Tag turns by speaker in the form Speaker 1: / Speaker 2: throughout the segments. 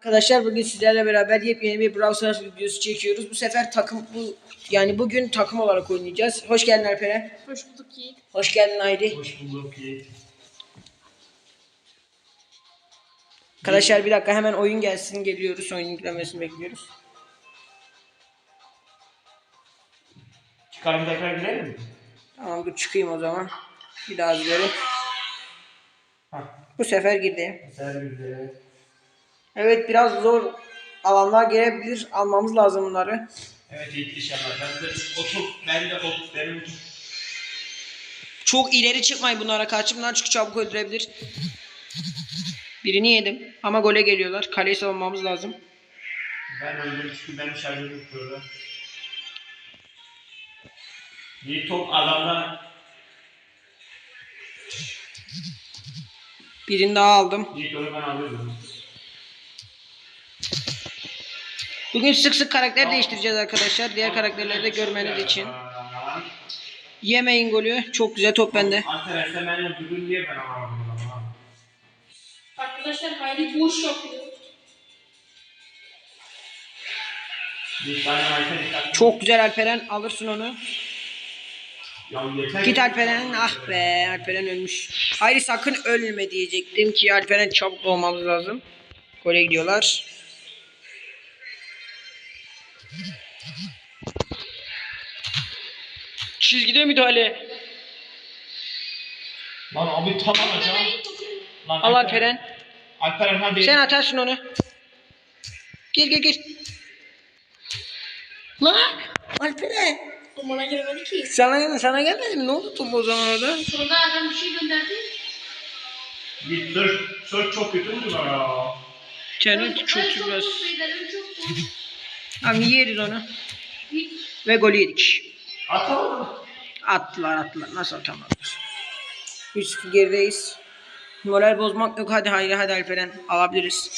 Speaker 1: Arkadaşlar bugün sizlerle beraber yepyeni bir Brawl Stars videosu çekiyoruz. Bu sefer bugün takım olarak oynayacağız. Hoş geldin Alperen.
Speaker 2: Hoş bulduk Yiğit.
Speaker 1: Hoş geldin Hayri.
Speaker 3: Hoş bulduk Yiğit.
Speaker 1: Arkadaşlar bir dakika hemen oyun gelsin, geliyoruz. Oyun yüklemesini bekliyoruz.
Speaker 3: Çıkarım tekrar girelim mi?
Speaker 1: Tamam dur çıkayım o zaman. Bir daha girelim.
Speaker 3: Hah.
Speaker 1: Bu sefer girdi.
Speaker 3: Güzel güzel.
Speaker 1: Evet biraz zor alanlar gelebilir. Almamız lazım bunları.
Speaker 3: Evet Yiğit inşallah. Benim
Speaker 1: Çok ileri çıkmayın bunlara karşı. Bunlar çünkü çabuk öldürebilir. Birini yedim ama gole geliyorlar. Kaleyi savunmamız lazım.
Speaker 3: Ben öldüm çünkü benim şarjım yok burada. Yiğit top adamdan.
Speaker 1: Birini daha aldım.
Speaker 3: Yiğit onu ben alıyorum.
Speaker 1: Bugün sık sık karakter değiştireceğiz arkadaşlar. Diğer karakterleri de görmeniz için. Yemeyin golü. Çok güzel top bende.
Speaker 3: Arkadaşlar benimle bugün niye ben alamadım ama?
Speaker 2: Arkadaşlar Hayri boş yapıyor.
Speaker 3: Yiğit bana Alperen.
Speaker 1: Çok güzel Alperen. Alırsın onu.
Speaker 3: Ya yeter.
Speaker 1: Git Alperen. Ah be. Alperen ölmüş. Hayır sakın ölme diyecektim ki Alperen çabuk olmamız lazım. Gole gidiyorlar. Çizgide müdahale.
Speaker 3: Lan abi tam alacağım. Lan
Speaker 1: Al Alperen.
Speaker 3: Alperen hadi.
Speaker 1: Sen atarsın onu. Gir. Lan Alperen.
Speaker 2: Bana giremedi ki.
Speaker 1: Sana gelmedi mi? Ne oldu top o zaman orada?
Speaker 2: Sonra adam bir şey gönderdi.
Speaker 3: Yiğit sır çok kötü mü ya?
Speaker 1: Canım
Speaker 2: Ben
Speaker 1: çok
Speaker 2: çok
Speaker 1: biraz.
Speaker 2: mutluyum, çok mutluyum.
Speaker 1: Abi yeriz onu.
Speaker 2: Yiğit,
Speaker 1: Ve golü yedik.
Speaker 3: Atalım.
Speaker 1: Attılar. Nasıl atamadılar? 3-0 gerideyiz. Moral bozmak yok. Hadi Alperen. Alabiliriz.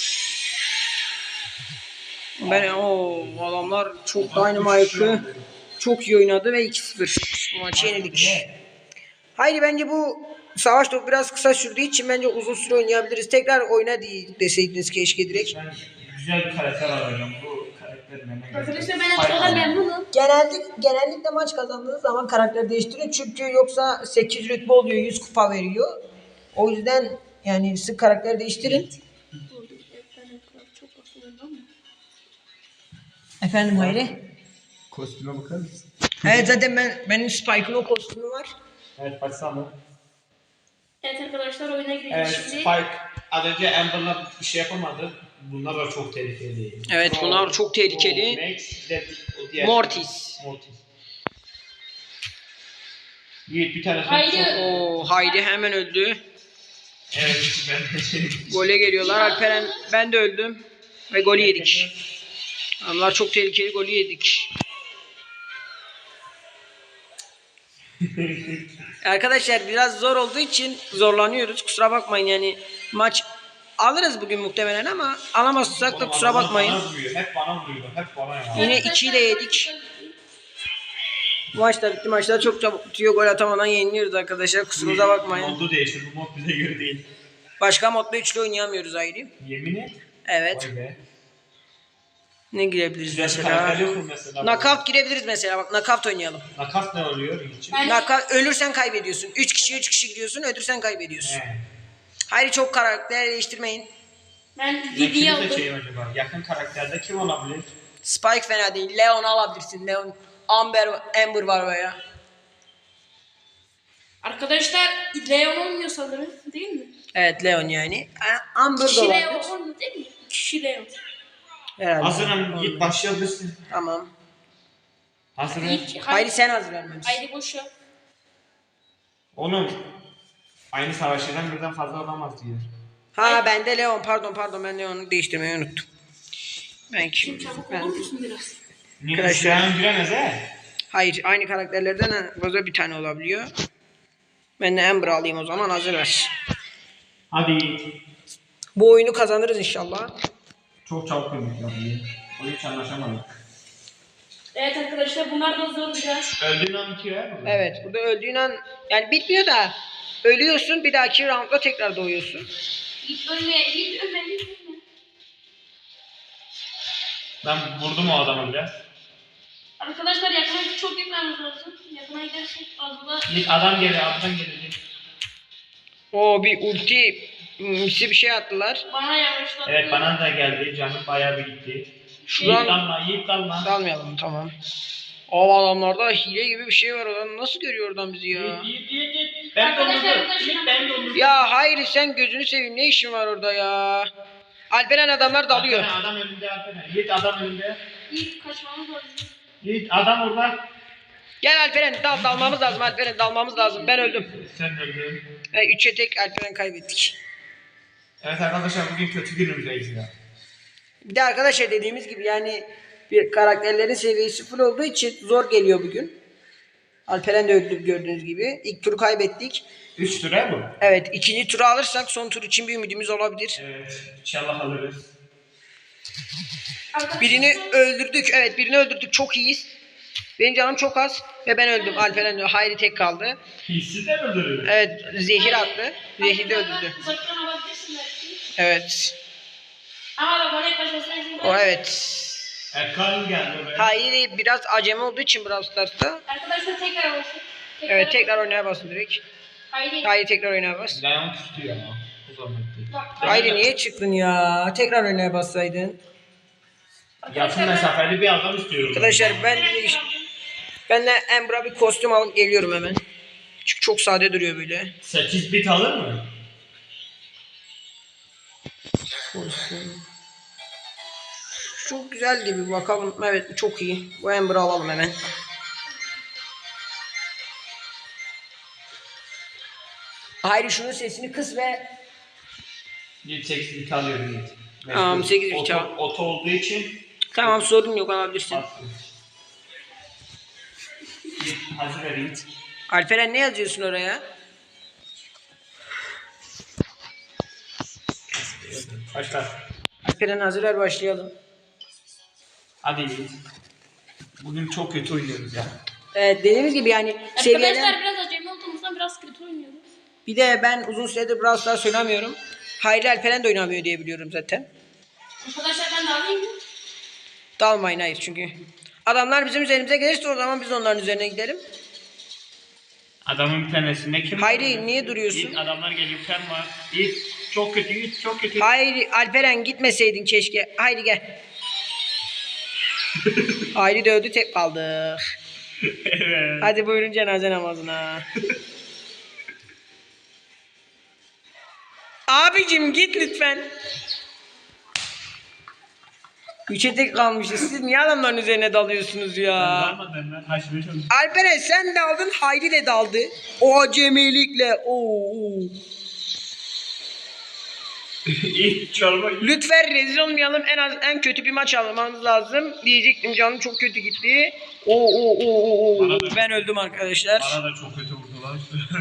Speaker 1: Adamlar çok Dynamite'ı çok iyi oynadı ve 2-0 maçı yenildik. Haydi bence bu savaş topu biraz kısa sürdüğü için bence uzun süre oynayabiliriz. Tekrar oyna deseydiniz keşke direkt.
Speaker 3: Ben güzel bir karakter arayacağım. Bu karakter bana
Speaker 2: arkadaşlar ben açıkçası memnunum.
Speaker 1: Genellikle maç kazandığınız zaman karakter değiştiriyor. Çünkü yoksa 8 rütbe oluyor, 100 kupa veriyor. O yüzden yani sık karakter değiştirin.
Speaker 2: Çok bakıyorum ama.
Speaker 1: Efendim Hayri?
Speaker 3: Kostüme bakar mısın?
Speaker 1: Evet zaten benim Spike'ın o kostümü var.
Speaker 3: Evet baksana.
Speaker 2: Evet arkadaşlar oyuna gireceğiz
Speaker 3: Evet
Speaker 2: şimdi.
Speaker 3: Spike az önce Amber'la bir şey yapamadı. Bunlar da çok tehlikeli.
Speaker 1: Evet bunlar çok tehlikeli.
Speaker 3: Max de o diğer
Speaker 1: Mortis.
Speaker 3: Yiğit bir tane
Speaker 2: Haydi.
Speaker 1: Haydi hemen öldü.
Speaker 3: Evet ben de şey.
Speaker 1: Gole geliyorlar. Alperen ben de öldüm. Ve golü yedik. Onlar çok tehlikeli golü yedik. Arkadaşlar biraz zor olduğu için zorlanıyoruz. Kusura bakmayın yani maç alırız bugün muhtemelen ama alamazsak da kusura bakmayın.
Speaker 3: Hep bana vuruyor. Hep bana ya.
Speaker 1: Yine 2'yi de yedik. Bu maç da bitti. Maçlar çok çabuk bitiyor. Gol atamadan yeniliyoruz arkadaşlar. Kusurumuza bakmayın.
Speaker 3: Modu değişir. Bu mod bize göre değil.
Speaker 1: Başka modda üçlü oynayamıyoruz ayrı.
Speaker 3: Yemin et.
Speaker 1: Evet.
Speaker 3: Vay be.
Speaker 1: Ne girebiliriz
Speaker 3: Güzel bir
Speaker 1: mesela?
Speaker 3: karakter yok mu mesela?
Speaker 1: Knockout girebiliriz mesela. Bak knockout oynayalım.
Speaker 3: Nakat ne oluyor için?
Speaker 1: Knockout ölürsen kaybediyorsun. 3 kişi gidiyorsun. Ölürsen kaybediyorsun.
Speaker 3: He.
Speaker 1: Hayır çok karakter değiştirmeyin.
Speaker 2: Ben
Speaker 3: Ben
Speaker 2: Didi'yi
Speaker 3: kimi
Speaker 2: aldım.
Speaker 3: seçeyim acaba? Yakın karakterde kim olabilir?
Speaker 1: Spike fena değil. Leon alabilirsin. Leon. Amber var veya.
Speaker 2: Arkadaşlar Leon olmuyor sanırım değil mi?
Speaker 1: Evet Leon yani. Amber da
Speaker 2: Kişi Leon
Speaker 1: olabilir.
Speaker 2: olmuyor değil mi? Kişi Leon.
Speaker 1: Herhalde.
Speaker 3: Hazırım. Git başlayabilirsin.
Speaker 1: Tamam.
Speaker 3: Hazırım.
Speaker 1: Hayır sen hazırlanmalısın.
Speaker 2: Haydi boş yap.
Speaker 3: Oğlum aynı savaşçıdan birden fazla olamaz diyor.
Speaker 1: Ha ben de Leon. Pardon ben Leon'u değiştirmeyi unuttum. Ben kim?
Speaker 2: Çabuk
Speaker 1: Ben...
Speaker 2: olur musun biraz?
Speaker 3: Niye
Speaker 1: Arkadaşlar-
Speaker 3: Arkadaşlar giremez he?
Speaker 1: Hayır aynı karakterlerden en fazla bir tane olabiliyor. Ben de Amber alayım o zaman hazır ver.
Speaker 3: Hadi.
Speaker 1: Bu oyunu kazanırız inşallah.
Speaker 3: Çok çabuk ölmüş ya. O hiç anlaşamadık.
Speaker 2: Evet arkadaşlar bunlar da zor biraz.
Speaker 3: Öldüğün an bitiyor ya.
Speaker 1: Evet burada öldüğün an yani bitmiyor da ölüyorsun bir dahaki roundda tekrar doğuyorsun.
Speaker 2: Git ölme, git ölme, git ölme.
Speaker 3: Ben vurdum o adamı biraz.
Speaker 2: Arkadaşlar yakına çok gitmemiz lazım. Yakına gidersek fazla.
Speaker 3: İlk adam geliyor, alttan gelecek.
Speaker 1: O bir ulti misi bir şey attılar.
Speaker 2: Bana yavaşlattı.
Speaker 3: Evet, bana da geldi. Canım bayağı bir gitti.
Speaker 1: Şuradan-
Speaker 3: Yiğit dalma, Yiğit dalma.
Speaker 1: Dalmayalım tamam. O adamlarda hile gibi bir şey var, oradan nasıl görüyor oradan bizi ya?
Speaker 3: Yiğit. Ben
Speaker 2: Arkadaşlar,
Speaker 3: dondurdum.
Speaker 2: burada
Speaker 3: Yiğit ben dondurdum.
Speaker 1: Ya hayır sen gözünü seveyim, ne işin var orada ya? Alperen adamlar dalıyor.
Speaker 3: Adam önünde Alperen. Yiğit adam önünde.
Speaker 2: İlk kaçmamız lazım.
Speaker 3: Yiğit adam orada.
Speaker 1: Gel Alperen dalmamız lazım, Alperen dalmamız lazım. Ben öldüm.
Speaker 3: Sen öldün.
Speaker 1: 3'e tek Alperen kaybettik.
Speaker 3: Evet arkadaşlar, bugün kötü günümüzdeyiz ya.
Speaker 1: Bir de arkadaşlar dediğimiz gibi yani bir karakterlerin seviyesi full olduğu için zor geliyor bugün. Alperen de öldü gördüğünüz gibi. İlk turu kaybettik.
Speaker 3: 3 tura bu.
Speaker 1: Evet, ikinci turu alırsak son tur için bir ümidimiz olabilir.
Speaker 3: Evet, inşallah alırız.
Speaker 2: Arkadaşlar,
Speaker 1: Birini öldürdük. Evet, birini öldürdük. Çok iyiyiz. Benim canım çok az ve ben öldüm. Alperen öldü. Hayri tek kaldı.
Speaker 3: Hissi de mi öldürür?
Speaker 1: Evet, zehir attı. Zehir de öldürdü.
Speaker 2: Uzaktan alabilirsin belki.
Speaker 1: Evet.
Speaker 2: Ama bana yaklaşmasına izin
Speaker 1: O
Speaker 2: ver.
Speaker 1: evet.
Speaker 3: Erkan geldi oraya.
Speaker 1: Hayri biraz acemi olduğu için Brawl Stars'ta.
Speaker 2: Arkadaşlar tekrar olsun.
Speaker 1: Evet, tekrar oynaya basın direkt.
Speaker 2: Haydi.
Speaker 1: Hayri tekrar oynaya bas.
Speaker 3: Leon tutuyor ama. O zaman değil.
Speaker 2: Bak,
Speaker 1: Hayri niye çıktın ya? Tekrar oynaya bassaydın.
Speaker 3: Yakın mesafeli bir adam istiyorum.
Speaker 1: Arkadaşlar ben de Embra bir kostüm alıp geliyorum hemen. Çünkü çok sade duruyor böyle.
Speaker 3: 8 bit alır mı?
Speaker 1: Kostüm. Çok güzel gibi bakalım. Evet çok iyi. Bu Ember'ı alalım hemen. Hayri şunun sesini kıs ve
Speaker 3: 8 bit alıyorum Yiğit.
Speaker 1: Tamam, 8 bit
Speaker 3: Oto-
Speaker 1: al.
Speaker 3: Oto olduğu için
Speaker 1: tamam sorun yok, alabilirsin.
Speaker 3: bastım. Yiğit, hazır ver Yiğit.
Speaker 1: Alperen ne yazıyorsun oraya?
Speaker 3: Başla.
Speaker 1: Alperen hazır ver, başlayalım.
Speaker 3: Hadi Yiğit. Bugün çok kötü oynuyoruz ya.
Speaker 1: Evet dediğimiz gibi yani
Speaker 2: Arkadaşlar
Speaker 1: seviyeden
Speaker 2: biraz acemi olduğumuzdan biraz kötü oynuyoruz.
Speaker 1: bir de ben uzun süredir Brawl Stars oynamıyorum. Hayri Alperen de oynamıyor diye biliyorum zaten.
Speaker 2: Arkadaşlar ben de alayım mı?
Speaker 1: Dalmayın hayır çünkü. Adamlar bizim üzerimize gelirse o zaman biz onların üzerine gidelim.
Speaker 3: Adamın bir tanesinde kim?
Speaker 1: Hayri niye duruyorsun?
Speaker 3: Yiğit, adamlar geliyor. Sen var. Yiğit çok kötü, Yiğit çok kötü.
Speaker 1: Hayri Alperen gitmeseydin keşke. Hayri gel. Hayri de öldü, tek kaldık.
Speaker 3: Evet.
Speaker 1: Hadi buyurun cenaze namazına. Abicim git lütfen. Üçe tek kalmışız. Siz niye adamların üzerine dalıyorsunuz ya?
Speaker 3: Dalmadım ben. Kaçmaya çalışıyorum.
Speaker 1: Alperen sen daldın, Hayri de daldı. O acemilikle. Oo.
Speaker 3: Yiğit çalma.
Speaker 1: Lütfen rezil olmayalım. En kötü bir maç almamız lazım. Diyecektim, canım çok kötü gitti. Oo.
Speaker 3: Bana da-
Speaker 1: Ben öldüm arkadaşlar.
Speaker 3: Bana da çok kötü vurdular.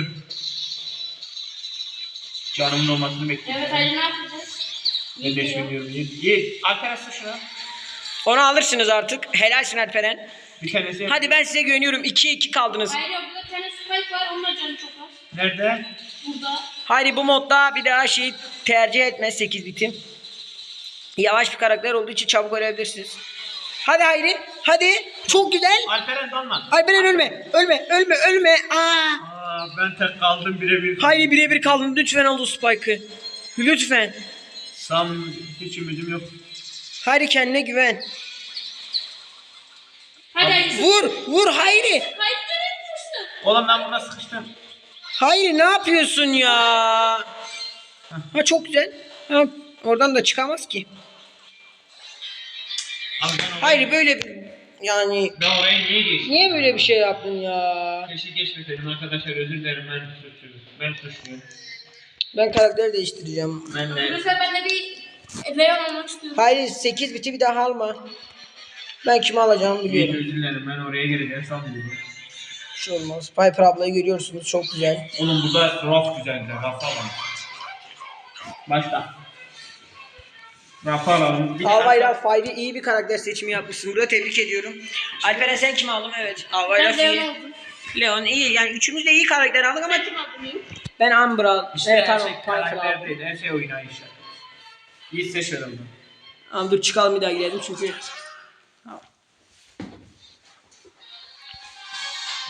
Speaker 3: Canımın olmasını bekliyorum.
Speaker 2: Evet haydi ne yapacağız?
Speaker 3: Ben de şimdi diyorum Yiğit. Yiğit. Alper asla şuna.
Speaker 1: Onu alırsınız artık. Helalsin Alperen.
Speaker 3: Bir tanesi.
Speaker 1: Hadi ben size güveniyorum. 2'ye 2 kaldınız.
Speaker 2: Hayır yok burada bir tane spike var onun da canı çok az.
Speaker 3: Nerede?
Speaker 2: Burada.
Speaker 1: Haydi bu modda bir daha şey tercih etme 8 bitin. Yavaş bir karakter olduğu için çabuk ölebilirsiniz. Hadi Hayri. Hadi. Çok güzel.
Speaker 3: Alperen dalma.
Speaker 1: Alperen ölme. Aa.
Speaker 3: Ben tek kaldım birebir.
Speaker 1: Hayri birebir kaldın. Lütfen al o Spike'ı. Lütfen.
Speaker 3: Sam hiç ümidim yok.
Speaker 1: Hayri kendine güven.
Speaker 2: Hadi haydi.
Speaker 1: Vur Hayri.
Speaker 2: Haydi nereye gidiyorsun?
Speaker 3: Oğlum ben buna sıkıştım.
Speaker 1: Hayri ne yapıyorsun ya? Ha çok güzel. Ha, oradan da çıkamaz ki.
Speaker 3: Abi ben oraya,
Speaker 1: Hayri böyle yani
Speaker 3: ben oraya niye geçtim?
Speaker 1: niye böyle bir şey yaptın ya?
Speaker 3: Keşke geçmeseydim arkadaşlar, özür dilerim, ben suçluyum. Ben suçluyum.
Speaker 1: Ben karakter değiştireceğim.
Speaker 3: Ben de.
Speaker 2: Mesela ben de bir Leon olmak istiyorum.
Speaker 1: Hayri 8 biti bir daha alma. Ben kimi alacağımı
Speaker 3: İyi,
Speaker 1: biliyorum.
Speaker 3: özür dilerim, ben oraya gireceğim sanmıyorum.
Speaker 1: Bir şey olmaz. Piper ablayı görüyorsunuz, çok güzel.
Speaker 3: Oğlum burada raf güzeldi, raf alalım. Başla. Raf alalım.
Speaker 1: Albayrak Fayri iyi bir karakter seçimi yapmışsın. Burada tebrik ediyorum. Alperen sen kimi aldın? Evet. Albayrak
Speaker 2: Ben
Speaker 1: iyi.
Speaker 2: Leon oldum.
Speaker 1: Leon iyi. Yani üçümüz de iyi karakter aldık ama
Speaker 2: Ben kim aldım?
Speaker 1: ben Umbra.
Speaker 3: İşte
Speaker 1: Evet
Speaker 3: her
Speaker 1: tamam.
Speaker 3: şey
Speaker 1: Piper
Speaker 3: karakter
Speaker 1: aldım.
Speaker 3: değil, her şey oynayışlar. İyi seçiyorum ben.
Speaker 1: Tamam dur çıkalım bir daha girelim çünkü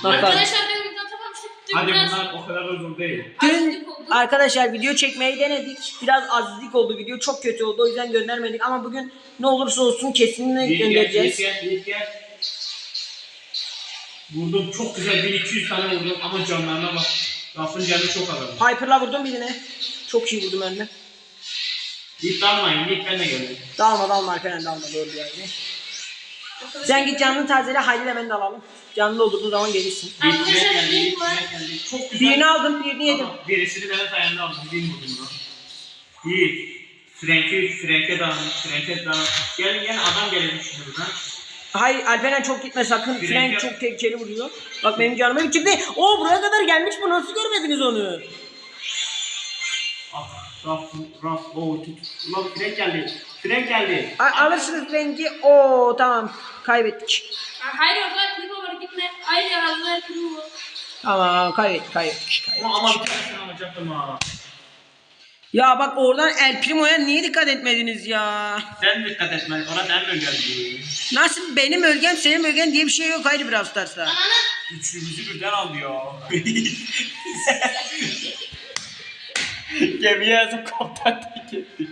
Speaker 1: Bakalım.
Speaker 2: Arkadaşlar dün video atamamıştık. Dün
Speaker 3: Hadi
Speaker 2: biraz
Speaker 3: bunlar o kadar da zor değil.
Speaker 1: Dün
Speaker 2: azizlik oldu.
Speaker 1: arkadaşlar video çekmeyi denedik. Biraz azizlik oldu, video çok kötü oldu, o yüzden göndermedik ama bugün ne olursa olsun kesinlikle göndereceğiz.
Speaker 3: Gel. Vurdum çok güzel 1200 tane vurdum ama canlarına bak. Rafın canı çok azaldı.
Speaker 1: Piper'la vurdum birine. Çok iyi vurdum önüne.
Speaker 3: İlk dalmayın, ilk ben de geldim.
Speaker 1: Dalma Alperen dalma, doğru yani. Sen git canını tazele, Haydi hemen de alalım. Canlı olduğu zaman gelirsin.
Speaker 2: Arkadaşlar link var.
Speaker 3: Çok güzel.
Speaker 1: Birini aldım, birini yedim.
Speaker 3: Ama birisini benim sayemde aldım. Bir vurdum buna. İyi. Frank'e dağın. Gel adam gelmiş buradan.
Speaker 1: Hayır Alperen çok gitme sakın.
Speaker 3: Frank
Speaker 1: Frank
Speaker 3: yap.
Speaker 1: çok tehlikeli vuruyor. Bak benim canıma bir çıktı. Oo buraya kadar gelmiş bu, nasıl görmediniz onu?
Speaker 3: Ah, Raf, tut. Ulan Frank geldi.
Speaker 1: Alırsınız Frank'i. Oo tamam, kaybettik.
Speaker 2: Hayır orada primo var gitme. Hayır hazır primo var.
Speaker 1: Tamam kaybettik.
Speaker 3: Ama bir tanesini alacaktım ha.
Speaker 1: Ya bak oradan El Primo'ya niye dikkat etmediniz ya?
Speaker 3: Sen dikkat etme, ona sen mi geldin?
Speaker 1: Nasıl benim bölgem senin bölgen diye bir şey yok Haydi Brawl Stars'ta.
Speaker 2: Ananı.
Speaker 3: Üçümüzü birden aldı ya. Gemiye yazıp kaptan tek etti.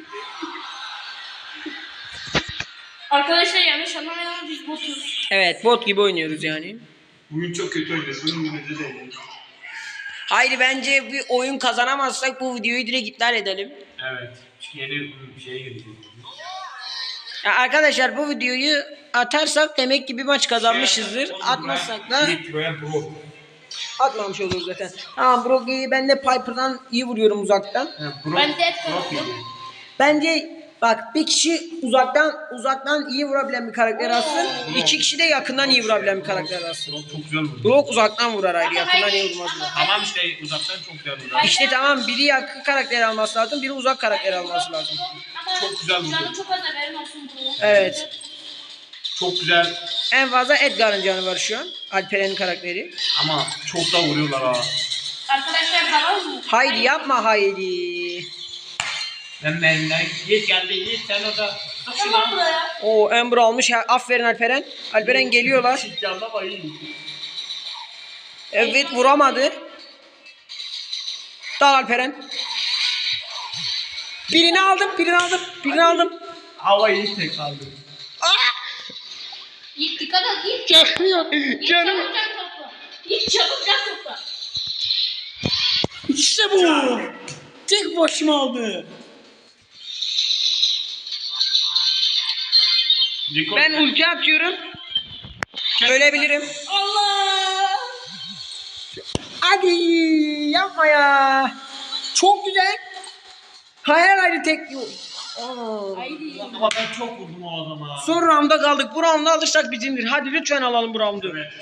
Speaker 2: Arkadaşlar yanlış anlamayalım biz botuz.
Speaker 1: Evet bot gibi oynuyoruz yani.
Speaker 3: Bugün çok kötü oynuyoruz, bugün günümüzde değil.
Speaker 1: Haydi bence bir oyun kazanamazsak bu videoyu direkt iptal edelim.
Speaker 3: Evet, yeni bir şeye girdik.
Speaker 1: Ya arkadaşlar bu videoyu atarsak demek ki bir maç kazanmışızdır. Atmazsak da atmamış oluruz zaten. Tamam Brogy'yi ben de Piper'dan iyi vuruyorum uzaktan.
Speaker 2: Ben de et koydum.
Speaker 1: Bence bak bir kişi uzaktan iyi vurabilen bir karakter alsın. İki kişi de yakından iyi vurabilen bir karakter alsın.
Speaker 3: Çok güzel vurdu.
Speaker 1: Brock uzaktan vurar ayrı, yakından iyi vurmaz.
Speaker 3: Tamam işte uzaktan çok güzel vurdu.
Speaker 1: İşte tamam, biri yakın karakter alması lazım, biri uzak karakter alması lazım.
Speaker 3: Çok güzel vurdu.
Speaker 2: Canı çok az haberin olsun bu.
Speaker 1: Evet.
Speaker 3: Çok güzel
Speaker 1: En fazla Edgar'ın canı var şu an. Alperen'in karakteri.
Speaker 3: ama çok da vuruyorlar ha.
Speaker 2: Arkadaşlar tamam mı?
Speaker 1: Haydi yapma Haydi.
Speaker 3: Ben benimden Yiğit geldi Yiğit sen orada.
Speaker 2: Tamam buraya.
Speaker 1: O Ember almış. Aferin Alperen. Alperen geliyorlar.
Speaker 3: Yanlama iyi.
Speaker 1: Evet vuramadı. Dal Alperen. Birini aldım.
Speaker 3: Hava iyi tek kaldı.
Speaker 2: Yiğit dikkat et Yiğit.
Speaker 1: Çakmıyor.
Speaker 2: Yiğit
Speaker 1: Canım.
Speaker 2: çabuk can topla. Yiğit çabuk can topla.
Speaker 1: İşte bu. Tek başıma aldı. Ben ulti atıyorum. Ölebilirim.
Speaker 2: Allah.
Speaker 1: Hadi yapma ya. Çok güzel. Hayır tek. Aa.
Speaker 2: Haydi.
Speaker 3: Ama ben çok vurdum o adama.
Speaker 1: Son rounda kaldık. Bu roundu alırsak bizimdir. Hadi lütfen alalım bu roundu.
Speaker 3: Evet,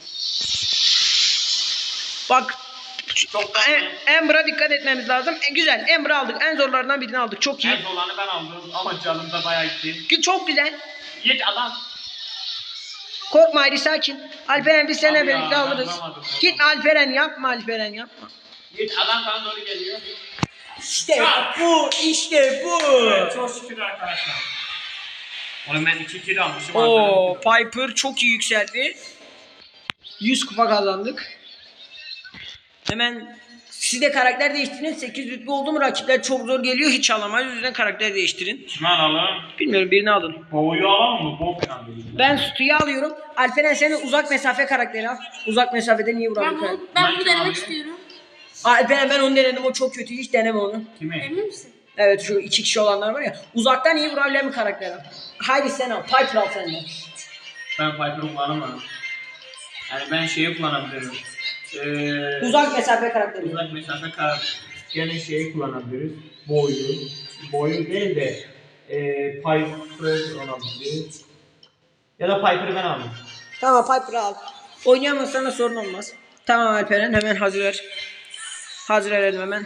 Speaker 1: Bak
Speaker 3: çok
Speaker 1: Ember'a dikkat etmemiz lazım. Güzel. Ember'ı aldık. En zorlarından birini aldık. Çok iyi.
Speaker 3: en olanı ben aldım ama canım da bayağı gitti.
Speaker 1: Çok güzel.
Speaker 3: Yiğit adam.
Speaker 1: Korkma Haydi sakin. Alperen biz seninle
Speaker 3: Abi ya,
Speaker 1: birlikte
Speaker 3: ben
Speaker 1: alırız.
Speaker 3: vuramadım.
Speaker 1: Git Alperen yapma Alperen yapma.
Speaker 3: Yiğit adam bana doğru geliyor.
Speaker 1: İşte bu. İşte bu.
Speaker 3: Evet, çok şükür arkadaşlar. Oğlum ben 2 kill almışım.
Speaker 1: Oo, Piper çok iyi yükseldi. 100 kupa kazandık. Hemen siz de karakter değiştirin. 8 rütbe oldu mu rakipler çok zor geliyor. Hiç alamayız. O yüzden karakter değiştirin.
Speaker 3: Kimi alalım?
Speaker 1: Bilmiyorum, birini alın.
Speaker 3: Boğuyu alalım mı? Boğ falan değil.
Speaker 1: Ben Stu'yu alıyorum. Alperen sen de uzak mesafe karakteri al. Uzak mesafeden iyi vuran
Speaker 2: Ben
Speaker 1: bir karakter.
Speaker 2: bunu, ben
Speaker 3: Ben
Speaker 2: bunu
Speaker 3: kim
Speaker 2: denemek
Speaker 3: alayım?
Speaker 2: istiyorum.
Speaker 1: Alperen ben onu denedim. O çok kötü. Hiç deneme onu.
Speaker 3: Kimi?
Speaker 2: Emin misin?
Speaker 1: Evet şu 2 kişi olanlar var ya. Uzaktan iyi vurabilen bir karakter al. Haydi sen al. Piper al sen de.
Speaker 3: Ben Piper'ı kullanamam. Yani ben şeyi kullanabilirim.
Speaker 1: Uzak mesafe karakteri.
Speaker 3: Uzak mesafe gene şeyi kullanabiliriz. Boyu değil de Piper olabilir. Ya da Piper'ı ben aldım.
Speaker 1: Tamam Piper'ı al. Oynayamazsan da sorun olmaz. Tamam Alperen hemen hazır ver. Hazır verelim hemen.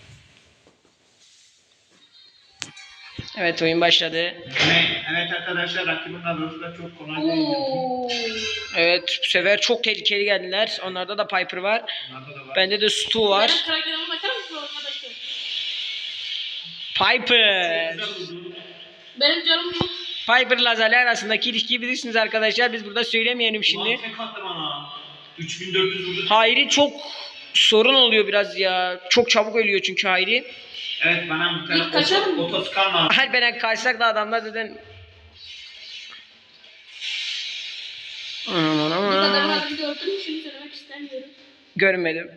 Speaker 1: Evet oyun başladı.
Speaker 3: Evet arkadaşlar rakibin kadrosu da çok kolay değil.
Speaker 2: Oo.
Speaker 1: Evet bu sefer çok tehlikeli geldiler. Onlarda da Piper var.
Speaker 3: Bunlarda da var.
Speaker 1: Bende de Stu var.
Speaker 2: Benim karakterime bakar mısın arkadaşlar?
Speaker 1: Piper.
Speaker 3: Güzel oldu.
Speaker 2: Benim canım yok.
Speaker 1: Piper Lazali arasındaki ilişkiyi bilirsiniz arkadaşlar. Biz burada söylemeyelim şimdi.
Speaker 3: Ulan tek attı bana. 3400 vurdu.
Speaker 1: Hayri çok sorun oluyor biraz ya. Çok çabuk ölüyor çünkü Hayri.
Speaker 3: Evet bana bir
Speaker 2: İlk kaçar
Speaker 3: tane
Speaker 2: mı?
Speaker 3: otoskar var.
Speaker 1: Alperen karşılaştık da adamlar zaten. Aman
Speaker 2: Bir
Speaker 1: aman.
Speaker 2: adamın adını gördüm mü şimdi söylemek istemiyorum.
Speaker 1: Görmedim.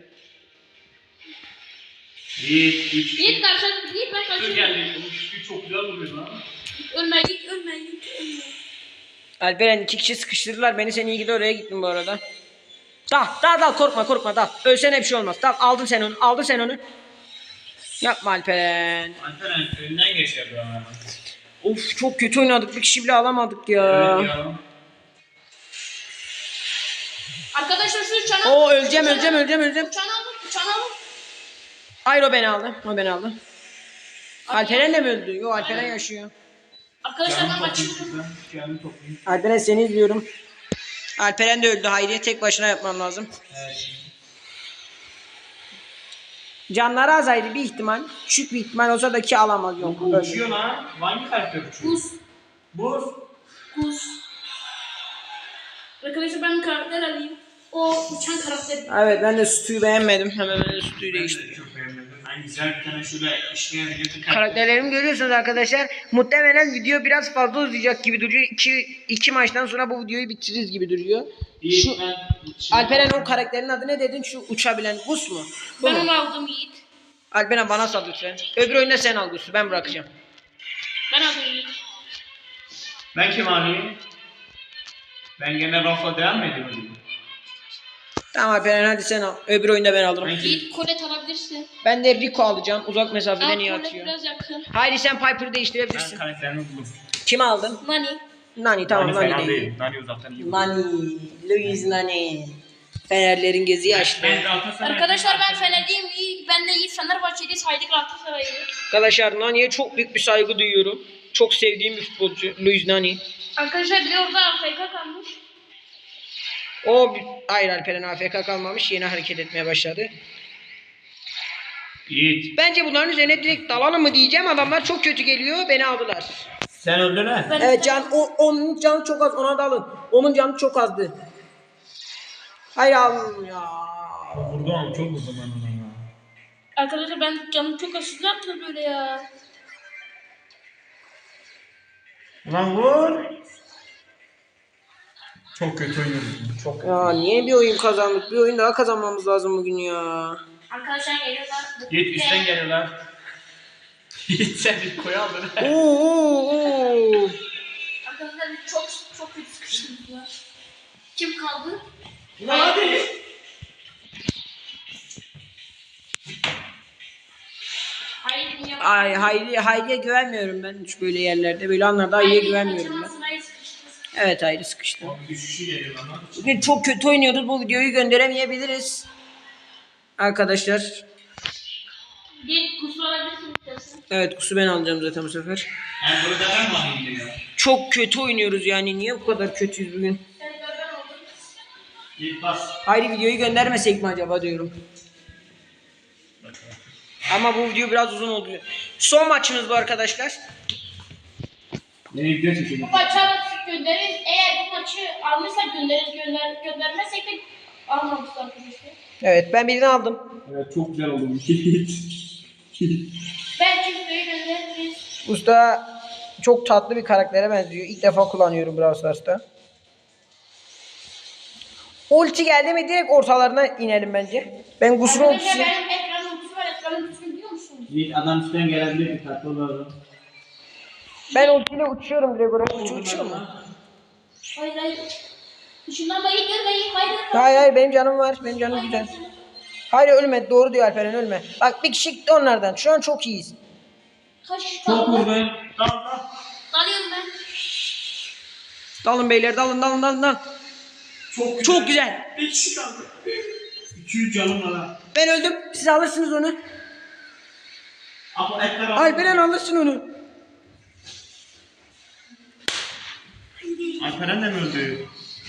Speaker 3: Yiğit.
Speaker 2: Yiğit karşı, Yiğit ben
Speaker 3: Dur
Speaker 2: kaçıyorum.
Speaker 3: geldi. Yiğit çok güzel vuruyor lan.
Speaker 2: Ölme Yiğit, ölme Yiğit, ölme.
Speaker 1: Alperen 2 kişi sıkıştırdılar beni, sen iyi ki de oraya gittin bu arada. Dal korkma dal. Ölsene bir şey olmaz. Dal, aldın sen onu. Yapma Alperen.
Speaker 3: Alperen önünden geçer bu arada.
Speaker 1: Of çok kötü oynadık, bir kişi bile alamadık ya.
Speaker 3: Evet ya.
Speaker 2: Arkadaşlar şu çana...
Speaker 1: Oo öleceğim.
Speaker 2: Uçağını alın.
Speaker 1: Hayır o beni aldı. Alperen de mi öldü? Yok Alperen yaşıyor.
Speaker 2: Arkadaşlar ben kaçıyorum.
Speaker 3: Canım toplayayım.
Speaker 1: Alperen seni izliyorum. Alperen de öldü. Hayriye tek başına yapmam lazım.
Speaker 3: Evet.
Speaker 1: Canları az Hayri, bir ihtimal. Küçük bir ihtimal olsa da ki alamaz, yok.
Speaker 3: Bu uçuyor lan. Hangi karakter uçuyor? Buz.
Speaker 2: Buz. Arkadaşlar ben karakter alayım. O uçan karakter.
Speaker 1: Evet ben de sütüyü beğenmedim. Hemen ben de sütüyü
Speaker 3: Ben de
Speaker 1: değiştirdim.
Speaker 3: çok beğenmedim. Ben güzel bir tane şöyle işleyen bir karakter.
Speaker 1: Karakterlerimi görüyorsunuz arkadaşlar. Muhtemelen video biraz fazla uzayacak gibi duruyor. İki maçtan sonra bu videoyu bitiririz gibi duruyor. Şu Alperen o karakterin adı ne dedin? Şu uçabilen Gus mu? Bu
Speaker 2: Ben
Speaker 1: mu?
Speaker 2: onu aldım Yiğit.
Speaker 1: Alperen bana sal lütfen. Öbür oyunda sen al Gus'u, ben bırakacağım.
Speaker 2: Ben aldım Yiğit.
Speaker 3: Ben kim alayım? Ben gene Rafa devam mı ediyorum?
Speaker 1: Tamam Alperen hadi sen al. Öbür oyunda ben alırım.
Speaker 3: Ben kim?
Speaker 2: Yiğit kolet alabilirsin.
Speaker 1: Ben de Rico alacağım. Uzak mesafeden
Speaker 2: Al
Speaker 1: iyi
Speaker 2: kolet
Speaker 1: atıyor.
Speaker 2: biraz yakın.
Speaker 1: Hayri sen Piper'ı
Speaker 3: Ben
Speaker 1: değiştirebilirsin.
Speaker 3: karakterini buldum.
Speaker 1: Kimi aldın?
Speaker 2: Nani.
Speaker 1: Nani tamam
Speaker 3: Nani
Speaker 1: Nani
Speaker 3: fena
Speaker 1: değil.
Speaker 3: değil. Nani uzaktan iyi.
Speaker 1: Nani. Luis Nani. Fenerlerin gözü açtı.
Speaker 3: Ben Galatasaray.
Speaker 2: Arkadaşlar ben Fenerliyim. Ben de Yiğit Fenerbahçeliyiz. Haydi Galatasaray'ı.
Speaker 1: Arkadaşlar Nani'ye çok büyük bir saygı duyuyorum. Çok sevdiğim bir futbolcu Luis Nani.
Speaker 2: Arkadaşlar bir de orada AFK kalmış.
Speaker 1: Hayır Alperen AFK kalmamış, yeni hareket etmeye başladı.
Speaker 3: Yiğit.
Speaker 1: Bence bunların üzerine direkt dalalım mı diyeceğim, adamlar çok kötü geliyor, beni aldılar.
Speaker 3: Sen öldün ha?
Speaker 2: Ben
Speaker 1: Evet onun canı çok az, ona dalın. Onun canı çok azdı. Hayır alın ya.
Speaker 3: Vurdum ama çok vurdum ben ona ya.
Speaker 2: Arkadaşlar ben canım çok aşırı ne yaptım böyle ya.
Speaker 3: Ulan vur. Çok kötü oynuyorsun. Çok kötü.
Speaker 1: Ya niye bir oyun kazandık? Bir oyun daha kazanmamız lazım bugün ya.
Speaker 2: Arkadaşlar geliyorlar.
Speaker 3: Yiğit üstten geliyorlar. Yiğit sen bir koy aldın.
Speaker 1: Oo.
Speaker 2: Arkadaşlar çok kötü sıkıştım ya. Kim kaldı?
Speaker 3: Ulan hadi.
Speaker 2: Hayır dünya.
Speaker 1: Ay Hayri'ye güvenmiyorum ben hiç böyle yerlerde. Böyle anlarda Hayri'ye güvenmiyorum ben. Evet Hayri sıkıştı.
Speaker 3: Abi düşüşü geliyor lan.
Speaker 1: Bugün çok kötü oynuyoruz. Bu videoyu gönderemeyebiliriz. Arkadaşlar.
Speaker 2: Bir kusur alabilirsin istersen.
Speaker 1: Evet kusu ben alacağım zaten bu sefer.
Speaker 3: Yani burada ben mi alayım diyor.
Speaker 1: Çok kötü oynuyoruz yani. Niye bu kadar kötüyüz bugün?
Speaker 2: Yani ben oldum.
Speaker 3: Yiğit bas.
Speaker 1: Hayri videoyu göndermesek mi acaba diyorum. Ama bu video biraz uzun oldu. Son maçımız bu arkadaşlar.
Speaker 3: Nereye gidiyor çekelim?
Speaker 2: Bu maçı göndeririz. Eğer bu maçı almışsak göndeririz. Göndermezsek de almamışlar arkadaşlar.
Speaker 1: Evet ben birini aldım.
Speaker 3: Evet çok güzel oldu bu Yiğit.
Speaker 2: Belki videoyu göndeririz.
Speaker 1: Usta çok tatlı bir karaktere benziyor. İlk defa kullanıyorum Brawl Stars'ta. Ulti geldi mi direkt ortalarına inelim bence. Ben Gus'un
Speaker 2: Arkadaşlar
Speaker 1: ultisi.
Speaker 2: benim ekranın ultisi var. Ekranın ultisini biliyor musun?
Speaker 3: Yiğit adam üstten gelebilir bir tatlı olur.
Speaker 1: Ben ultiyle uçuyorum direkt oraya. Uçuyor mu?
Speaker 2: Hayır. Işınlanma iyi görmeyin. Hayır.
Speaker 1: Hayır benim canım var. Benim canım güzel. Hayır ölme. Doğru diyor Alperen ölme. Bak bir kişi gitti onlardan. Şu an çok iyiyiz.
Speaker 2: Kaç kişi
Speaker 3: Çok
Speaker 2: kaldı?
Speaker 3: vurdun. Dal.
Speaker 2: Dalıyorum ben.
Speaker 1: Dalın beyler dalın. Çok güzel.
Speaker 3: Bir kişi kaldı. 200 canım var ha.
Speaker 1: Ben öldüm. Siz alırsınız onu.
Speaker 3: Ama etler
Speaker 1: Alperen alırsın onu.
Speaker 3: Alperen de mi öldü?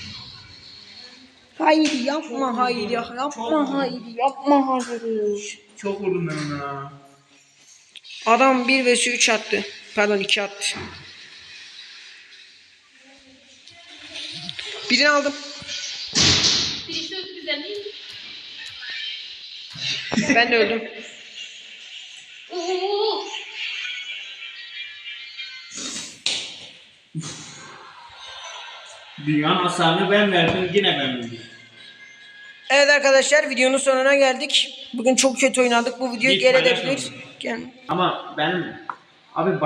Speaker 1: Hayır yapma hayır yapma hayır.
Speaker 3: Çok vurdum ben ona.
Speaker 1: Adam 1 vs 3 attı. Pardon 2 attı. Birini aldım.
Speaker 2: Birisi öldü bizden değil mi?
Speaker 1: Ben de öldüm.
Speaker 2: Oo.
Speaker 3: Dünyanın hasarını ben verdim, yine ben öldüm.
Speaker 1: Evet arkadaşlar, videonun sonuna geldik. Bugün çok kötü oynadık. Bu videoyu
Speaker 3: Hiç
Speaker 1: geri
Speaker 3: paylaşmadım.
Speaker 1: edebiliriz.
Speaker 3: Ama benim abi